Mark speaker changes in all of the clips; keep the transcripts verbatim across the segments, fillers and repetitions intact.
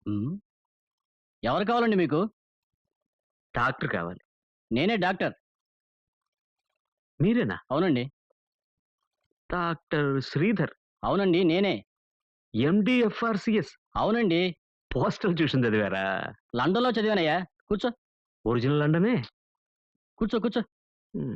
Speaker 1: హ్మ్. ఎవరు కావాలండి మీకు?
Speaker 2: డాక్టర్ కావాలి.
Speaker 1: నేనే డాక్టర్.
Speaker 2: మీరేనా?
Speaker 1: అవునండి.
Speaker 2: డాక్టర్ శ్రీధర్.
Speaker 1: అవునండి నేనే.
Speaker 2: MD FRCS.
Speaker 1: అవునండి.
Speaker 2: పోస్టల్ ట్యూషన్ చదివారా?
Speaker 1: లండన్‌లో చదివానయ్యా. కూర్చో.
Speaker 2: ఒరిజినల్ లండనే.
Speaker 1: కూర్చో, కూర్చో.
Speaker 2: హ్మ్.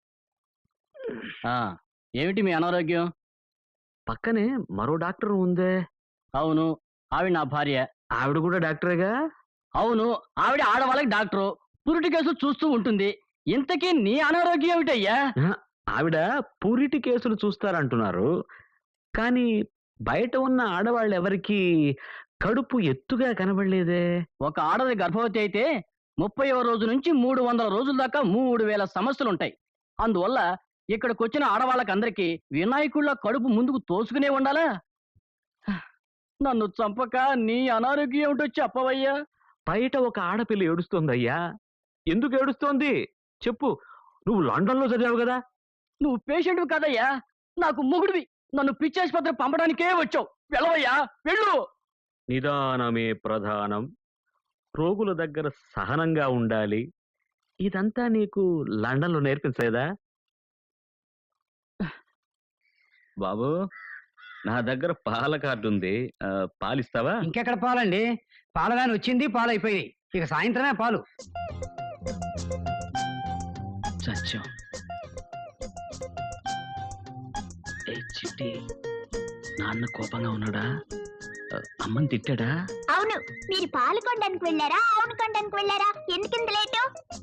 Speaker 1: ఆ! ఏమిటి మీ అనారోగ్యం?
Speaker 2: పక్కనే మరో డాక్టర్ ఉందే.
Speaker 1: అవును. ఆవిడ నా భార్య.
Speaker 2: ఆవిడ కూడా డాక్టరేగా?
Speaker 1: అవును. ఆవిడ ఆడవాళ్ళకి డాక్టరు. పురిటి కేసులు చూస్తూ ఉంటుంది. ఇంతకీ నీ అనారోగ్యం ఏమిటయ్యా?
Speaker 2: అహా! ఆవిడ పూరిటి కేసులు చూస్తారంటున్నారు. కానీ బయట ఉన్న ఆడవాళ్ళెవరికీ కడుపు ఎత్తుగా కనబడలేదే?
Speaker 1: ఒక ఆడది గర్భవతి అయితే ముప్పైవ రోజు నుంచి మూడు వందల రోజుల దాకా మూడు వేల సమస్యలుంటాయి. అందువల్ల ఇక్కడికొచ్చిన ఆడవాళ్ళకందరికీ వినాయకుడిలా కడుపు ముందుకు తోసుకునే ఉండాలా? నన్ను చంపక నీ అనారోగ్యం ఏమిటో చెప్పవయ్యా?
Speaker 2: బయట ఒక ఆడపిల్ల ఏడుస్తోందయ్యా. ఎందుకు ఏడుస్తోంది? చెప్పు. నువ్వు లండన్‌లో చదివావు గదా!
Speaker 1: నువ్వు పేషెంట్‌వి కాదయ్యా. నాకు మొగుడివి. నన్ను పిచ్చాసుపత్రికి పంపడానికే వచ్చావు. వెళ్ళవయ్యా వెళ్ళు.
Speaker 2: నిదానమే ప్రధానం. రోగుల దగ్గర సహనంగా ఉండాలి. ఇదంతా నీకు లండన్‌లో నేర్పించలేదా? బాబూ, నా దగ్గర పాల కార్డుంది. ఆహ్, పాలిస్తావా?
Speaker 3: ఇంకెక్కడ పాలండి? పాల వ్యాన్ వచ్చింది, పాలయిపోయాయి. ఇక సాయంత్రమే పాలు.
Speaker 2: సత్యం. ఏ చిట్టి, నాన్న కోపంగా ఉన్నాడా? ఆహ్, అమ్మని తిట్టాడా?
Speaker 4: అవును, మీరు పాలు కొనడానికి వెళ్ళారా అవును కొనడానికి వెళ్ళారా ఎందుకింత లేటు?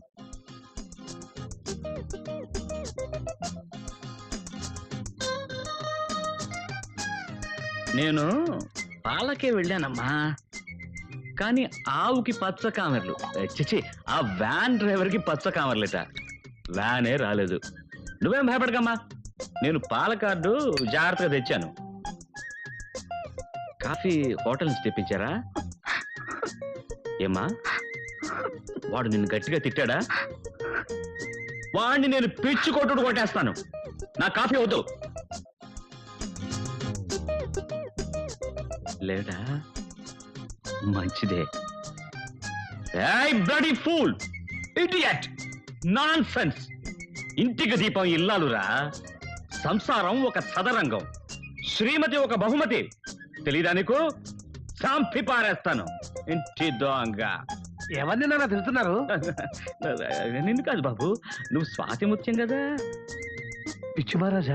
Speaker 2: నేను పాలకే వెళ్ళానమ్మా. కానీ ఆవుకి పచ్చ కామెర్లు. ఏ, చిచి, ఆ వ్యాన్ డ్రైవర్‌కి పచ్చ కామెర్లట. వ్యానే రాలేదు. నువ్వేం భయపడకమ్మా. నేను పాల కార్డు జాగ్రత్తగా తెచ్చాను. కాఫీ హోటల్ నుంచి తెప్పించారా? ఏమ్మా, వాడు నిన్ను గట్టిగా తిట్టాడా? వాడిని నేను పిచ్చి కొట్టుడు కొట్టేస్తాను. నా కాఫీ వద్దు. లేడా? మంచిదే. ఏయ్ బ్లడీ ఫూల్, ఇడియట్, నాన్సెన్స్. ఇంటికి దీపం ఇల్లాలురా. సంసారం ఒక సదరంగం, శ్రీమతి ఒక బహుమతి. తెలీదా నీకు? సాంపి పారేస్తాను ఇంటి దొంగ.
Speaker 3: ఎవరిని నాన్న తిడుతున్నారు?
Speaker 2: నిన్ను కాదు బాబు, నువ్వు స్వాతి ముత్యం కదా.
Speaker 3: పిచ్చి మహారాజా?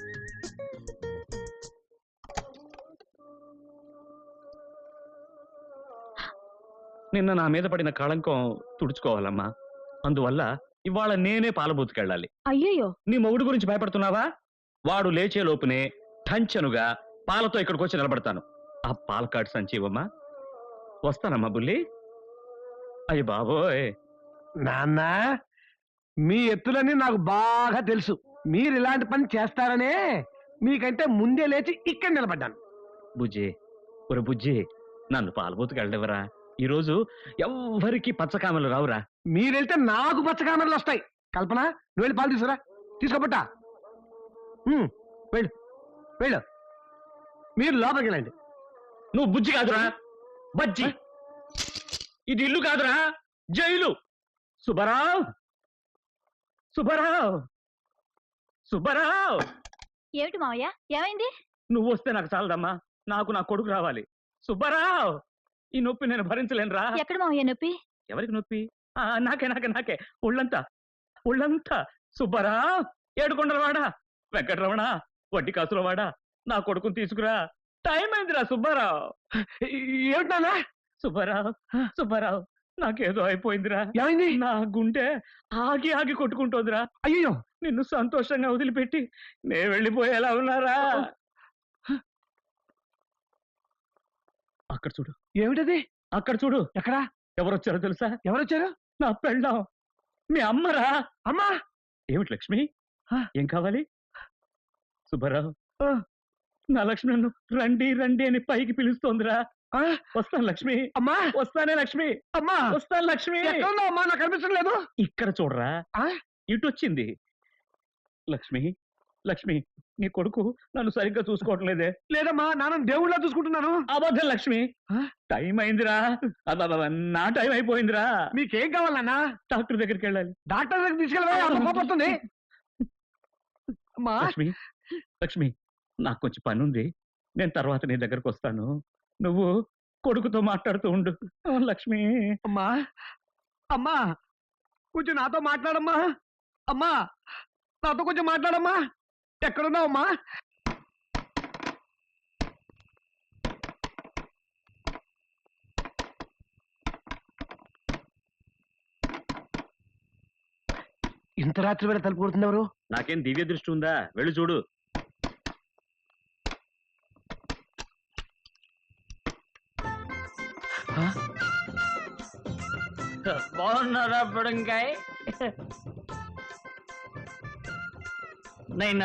Speaker 2: నిన్న నా మీద పడిన కళంకం తుడుచుకోవాలమ్మా. అందువల్ల ఇవాళ నేనే పాలబూతుకెళ్ళాలి.
Speaker 4: అయ్యయ్యో,
Speaker 2: నీ మొగుడు గురించి భయపడుతున్నావా? వాడు లేచే లోపునే టంచనుగా పాలతో ఇక్కడికి వచ్చి నిలబడతాను. ఆ పాల కార్డు సంచి ఇవ్వమ్మా. వస్తానమ్మా బుల్లి. అయ్య బాబోయ్.
Speaker 3: నాన్న, మీ ఎత్తులని నాకు బాగా తెలుసు. మీరు ఇలాంటి పని చేస్తారనే మీకంటే ముందే లేచి ఇక్కడ నిలబడ్డాను.
Speaker 2: బుజ్జి, ఒరే బుజ్జి, నన్ను పాలబూతుకెళ్ళనివ్వరా. ఈరోజు ఎవ్వరికి పచ్చకామలు రావురా.
Speaker 3: మీరెళ్తే నాకు పచ్చకామెరలు వస్తాయి. కల్పన, నువ్వు వెళ్ళి పాలు తీసుకురా. తీసుకోబట్టా. వెళ్ళు వెళ్ళు. మీరు లోపలికి వెళ్ళండి.
Speaker 2: నువ్వు బుజ్జి కాదురా, బజ్జి. ఇది ఇల్లు కాదురా, జైలు. సుబ్బారావు, సుబ్బారావు, సుబ్బారావు.
Speaker 4: ఏమిటి మావయ్య, ఏమైంది?
Speaker 2: నువ్వు వస్తే నాకు చాలదమ్మా. నాకు నా కొడుకు రావాలి. సుబ్బారావు, ఈ నొప్పి నేను భరించలేనురా.
Speaker 4: ఎక్కడ మావయ్య నొప్పి?
Speaker 2: ఎవరికి నొప్పి? ఆ, నాకే నాకే నాకే ఒళ్ళంతా ఒళ్ళంతా. సుబ్బారావు, ఏడుకొండలవాడా, వెంకటరమణ, వడ్డీ కాసులవాడా, నా కొడుకుని తీసుకురా. టైం అయిందిరా సుబ్బారావు.
Speaker 3: ఏమిటన్నా?
Speaker 2: సుబ్బారావు, సుబ్బారావు, నాకేదో అయిపోయిందిరా.
Speaker 3: ఏమైంది?
Speaker 2: నా గుండె ఆగి ఆగి కొట్టుకుంటోందిరా.
Speaker 3: అయ్యో,
Speaker 2: నిన్ను సంతోషంగా వదిలిపెట్టి నే వెళ్ళిపోయేలా ఉన్నారా? అక్కడ చూడు.
Speaker 3: ఏమిటది?
Speaker 2: అక్కడ చూడు.
Speaker 3: ఎక్కడా?
Speaker 2: ఎవరొచ్చారో తెలుసా?
Speaker 3: ఎవరొచ్చారు?
Speaker 2: నా పెళ్ళాం, మీ అమ్మరా.
Speaker 3: అమ్మా.
Speaker 2: ఏమిటి లక్ష్మి, ఏం కావాలి? సుబ్బారావు, నా లక్ష్మి నన్ను రండి రండి అని పైకి పిలుస్తోందిరా. వస్తాను లక్ష్మి.
Speaker 3: అమ్మా,
Speaker 2: వస్తానే లక్ష్మి.
Speaker 3: అమ్మా,
Speaker 2: వస్తాను లక్ష్మి.
Speaker 3: ఎక్కడున్నావు అమ్మా? నాకు కనిపించడం లేదు.
Speaker 2: ఇక్కడ చూడరా,
Speaker 3: ఆ?
Speaker 2: ఇటు వచ్చింది లక్ష్మి. లక్ష్మి నీ కొడుకు నన్ను సరిగ్గా చూసుకోవటం లేదే.
Speaker 3: లేదమ్మా, నాన్న దేవుళ్ళ చూసుకుంటున్నాను.
Speaker 2: అబద్ధం లక్ష్మి.
Speaker 3: ఆ?
Speaker 2: టైం అయిందిరా. అబ్బబ్బబ్బ, నా టైం అయిపోయిందిరా.
Speaker 3: మీకేం కావాలన్నా?
Speaker 2: డాక్టర్ దగ్గరికి వెళ్ళాలి.
Speaker 3: డాక్టర్ దగ్గర తీసుకెళ్ళవా? అంత కోపం వస్తుంది. అమ్మా
Speaker 2: లక్ష్మి లక్ష్మి నాకు కొంచెం పని ఉంది, నేను తర్వాత నీ దగ్గరకు వస్తాను. నువ్వు కొడుకుతో మాట్లాడుతూ ఉండు. ఆ, లక్ష్మి.
Speaker 3: అమ్మా అమ్మా కొంచెం నాతో మాట్లాడమ్మా. అమ్మా నాతో కొంచెం మాట్లాడమ్మా. ఎక్కడున్నావు అమ్మా? ఇంత రాత్రి వేళ తలుపు కొడుతుంది ఎవరు?
Speaker 2: నాకేం దివ్య దృష్టి ఉందా? వెళ్ళి చూడు.
Speaker 1: బాగున్నారా బుడంకాయ? నైనా,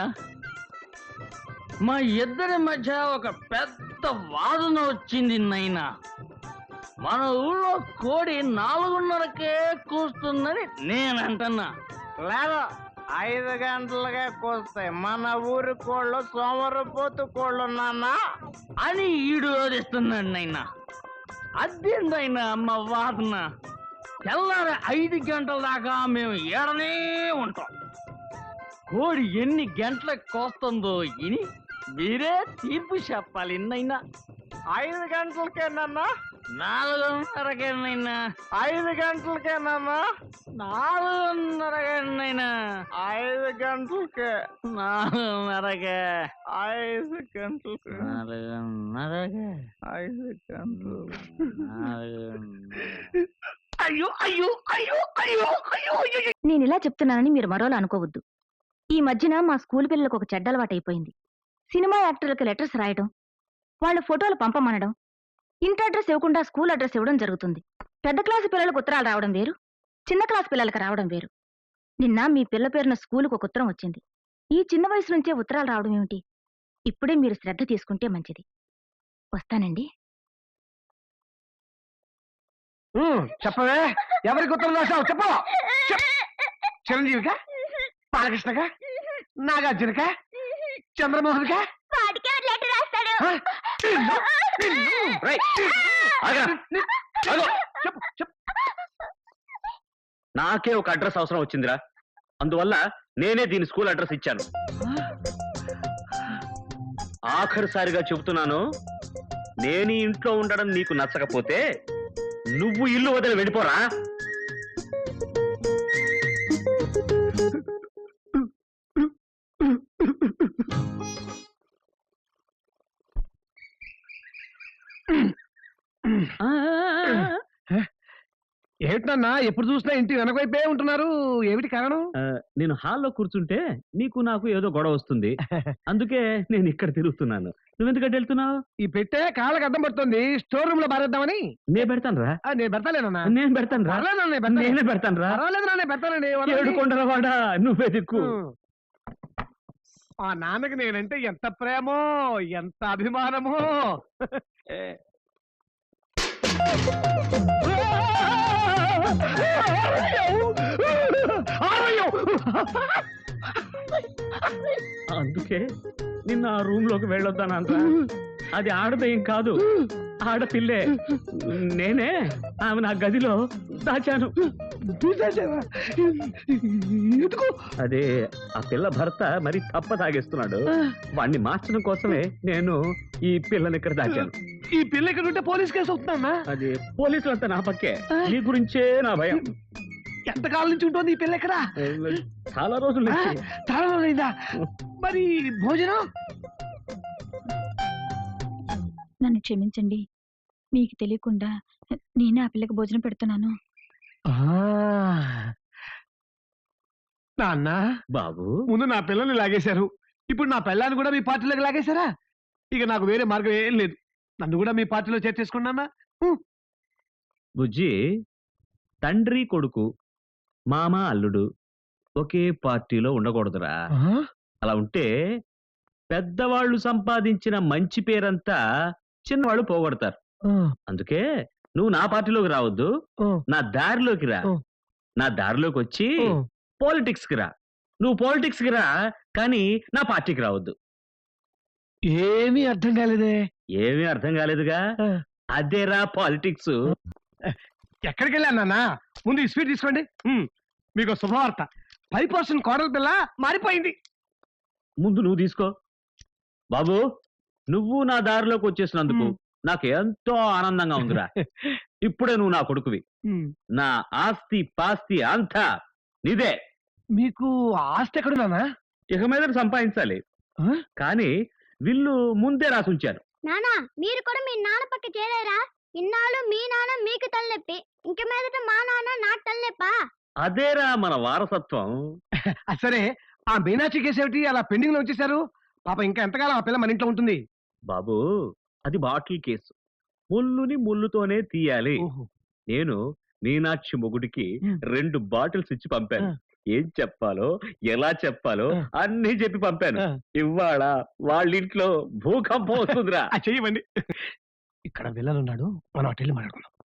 Speaker 1: మా ఇద్దరి మధ్య ఒక పెద్ద వాదన వచ్చింది నైనా. మన ఊళ్ళో కోడి నాలుగున్నరకే కూస్తుందని నేను అంటున్నా.
Speaker 5: లేదు, ఐదు గంటలుగా కూస్తాయి. మన ఊరి కోళ్ళు సోమరపోతు కోళ్ళు నాన్న
Speaker 1: అని ఈడు ఓదిస్తున్నాడు నైనా. అదేందైనా అమ్మ వాదన. తెల్లారి ఐదు గంటల దాకా మేము ఏడనే ఉంటాం. కోడి ఎన్ని గంటలకు కోస్తుందో ఇని మీరే తీర్పు చెప్పాలి నైనా.
Speaker 5: ఐదు గంటలకేనన్నా?
Speaker 1: నాలుగున్నరకేనైనా.
Speaker 5: ఐదు గంటలకేనన్నా?
Speaker 1: నాలుగున్నరకేనైనా.
Speaker 5: ఐదు గంటలకే.
Speaker 1: నాలుగున్నరకే.
Speaker 5: ఐదు గంటలకే.
Speaker 1: నాలుగున్నరకే.
Speaker 5: ఐదు గంటలు.
Speaker 3: అయ్యో అయ్యో అయ్యో అయ్యో అయ్యో అయ్యో.
Speaker 6: నేను ఇలా చెప్తున్నానని మీరు మరోలా అనుకోవద్దు. ఈ మధ్యన మా స్కూల్ పిల్లలకు ఒక చెడ్డ అలవాటైపోయింది. సినిమా యాక్టర్లకు లెటర్స్ రాయడం, వాళ్ళ ఫోటోలు పంపమనడం, ఇంటి అడ్రస్ ఇవ్వకుండా స్కూల్ అడ్రస్ ఇవ్వడం జరుగుతుంది. పెద్ద క్లాసు పిల్లలకు ఉత్తరాలు రావడం వేరు, చిన్న క్లాసు పిల్లలకు రావడం వేరు. నిన్న మీ పిల్ల పేరున స్కూలుకు ఒక ఉత్తరం వచ్చింది. ఈ చిన్న వయసు నుంచే ఉత్తరాలు రావడం ఏమిటి? ఇప్పుడే మీరు శ్రద్ధ తీసుకుంటే మంచిది. వస్తానండి.
Speaker 3: ఉమ్, చెప్పవే, ఎవరికి ఉత్తరం రాశావు? చెప్పు. చెప్. చిరంజీవికా, బాలకృష్ణగా, నాగార్జునకా, చంద్రమోహన్కా?
Speaker 4: వాడికి ఎవరు లెటర్ రాస్తాడు?
Speaker 3: ఆ? నిన్ను, నిన్ను.
Speaker 2: రేయ్, ఆగరా. ఆగు.
Speaker 3: చెప్పు చెప్పు.
Speaker 2: నాకే ఒక అడ్రస్ అవసరం వచ్చిందిరా. అందువల్ల నేనే దీని స్కూల్ అడ్రస్ ఇచ్చాను. ఆఖరిసారిగా చెబుతున్నాను, నేను ఈ ఇంట్లో ఉండడం నీకు నచ్చకపోతే నువ్వు ఇల్లు వదిలి వెళ్ళిపోరా.
Speaker 3: ఏమిటన్నా ఎప్పుడు చూసినా ఇంటి వెనకవైపే ఉంటున్నారు? ఏమిటి కారణం?
Speaker 2: ఆ, నేను హాల్లో కూర్చుంటే నీకు నాకు ఏదో గొడవ వస్తుంది, అందుకే నేను ఇక్కడ తిరుగుతున్నాను. నువ్వెందుకంటే వెళ్తున్నావు?
Speaker 3: ఈ పెట్టే కాళ్ళకి అడ్డం పడుతుంది, స్టోర్ రూమ్ లో బారేద్దామని.
Speaker 2: నేను పెడతాను రా.
Speaker 3: ఆ, నేను పెడతాలేనన్నా.
Speaker 2: నేను పెడతాను రా.
Speaker 3: పర్లేదు నాన్న, నేను పెడతాను.
Speaker 2: నేనే పెడతాను రా.
Speaker 3: పర్వాలేదు నాన్న, నేను పెడతానండి. వదలండి.
Speaker 2: ఏడు కొండల వాడా, నువ్వే దిక్కు.
Speaker 3: ఉమ్. ఆ నాన్నకి నేనంటే ఎంత ప్రేమో, ఎంత అభిమానమో.
Speaker 2: అందుకే నిన్న ఆ రూమ్ లోకి వెళ్ళొద్దానంట. అది ఆడదేం కాదు, ఆడపిల్లే. నేనే ఆమె నా గదిలో దాచాను.
Speaker 3: ఎందుకు?
Speaker 2: అదే ఆ పిల్ల భర్త మరి తప్ప తాగేస్తున్నాడు. వాణ్ణి మార్చడం కోసమే నేను ఈ పిల్లని ఇక్కడ దాచాను.
Speaker 3: ఈ పిల్ల ఇక్కడ ఉంటే పోలీస్ కేసు అవుతుందన్నా?
Speaker 2: అది పోలీసులంతా నా పక్కే. నీ గురించే నా భయం.
Speaker 3: ఎంతకాలం నుంచి ఉంటుంది ఈ పిల్ల ఇక్కడ?
Speaker 2: చాలా రోజులు
Speaker 3: ఆ, చాలా రోజులైందా? మరి భోజనం?
Speaker 6: నన్ను క్షమించండి, మీకు తెలియకుండా నేనే ఆ పిల్లకి భోజనం పెడుతున్నాను.
Speaker 3: నాన్న,
Speaker 2: బాబు,
Speaker 3: ముందు నా పిల్లల్ని లాగేశారు, ఇప్పుడు నా పిల్లని కూడా మీ పార్టీలోకి లాగేశారా? ఇక నాకు వేరే మార్గం ఏం లేదు. నన్ను కూడా మీ పార్టీలో చేర్చేసుకున్నానా?
Speaker 2: బుజ్జి, తండ్రి కొడుకు, మామ అల్లుడు ఒకే పార్టీలో ఉండకూడదురా. అలా ఉంటే పెద్దవాళ్ళు సంపాదించిన మంచి పేరంతా చిన్నవాళ్ళు పోగొడతారు. అందుకే నువ్వు నా పార్టీలోకి రావద్దు, నా దారిలోకి రా. నా దారిలోకి వచ్చి పాలిటిక్స్ కి రా. నువ్వు పాలిటిక్స్ కి రా, కానీ నా పార్టీకి రావద్దు.
Speaker 3: ఏమీ అర్థం కాలేదే.
Speaker 2: ఏమీ అర్థం కాలేదుగా,
Speaker 3: ఆ.
Speaker 2: అదేరా పాలిటిక్స్.
Speaker 3: ఎక్కడికి వెళ్ళాను నాన్న? ముందు ఈ స్వీట్ తీసుకోండి. ఉమ్, మీకు శుభవార్త. ఫైవ్ పర్సెంట్ కోడల పిల్ల మారిపోయింది.
Speaker 2: ముందు నువ్వు తీసుకో. బాబు, నువ్వు నా దారిలోకి వచ్చేసినందుకు
Speaker 3: మ్.
Speaker 2: నాకు ఎంతో ఆనందంగా ఉందిరా. ఇప్పుడే నువ్వు నా కొడుకువి.
Speaker 3: ఉమ్,
Speaker 2: నా ఆస్తి పాస్తి అంతా నీదే.
Speaker 3: మీకు ఆస్తి ఎక్కడ నాన్న?
Speaker 2: ఇక మీద సంపాదించాలి,
Speaker 3: ఆ?
Speaker 2: కానీ విల్లు ముందే రాసుంచాను.
Speaker 4: నానా మీరు కూడా మీ నాన్న పక్క చేరారా? ఇన్నాళ్ళు మీ నాన్న మీకు తలనొప్పి, ఇంక మీదట మా నాన్న నాకు తలనొప్పా?
Speaker 2: అదేరా మన వారసత్వం.
Speaker 3: ఆ, సరే, ఆ మీనాక్షి కేసు ఏమిటి అలా పెండింగ్ లో వచ్చేసారు? పాప ఇంకా ఎంతకాలం ఆ పిల్ల మన ఇంట్లో ఉంటుంది?
Speaker 2: బాబు, అది బాటిల్ కేసు. ముల్లుని ముల్లుతోనే తీయాలి.
Speaker 3: ఓహో.
Speaker 2: నేను మీనాక్షి మొగుడికి
Speaker 3: మ్.
Speaker 2: రెండు బాటిల్స్ ఇచ్చి పంపాను.
Speaker 3: ఆ.
Speaker 2: ఏం చెప్పాలో ఎలా చెప్పాలో
Speaker 3: ఆ.
Speaker 2: అన్నీ చెప్పి పంపాను.
Speaker 3: ఆ.
Speaker 2: ఇవాళ వాళ్ళింట్లో భూకంపం వస్తుందిరా.
Speaker 3: ఆ, చెయ్యమండి. ఇక్కడ విల్లన్ ఉన్నాడు, మనం అటు వెళ్ళి మాట్లాడుకుందాం.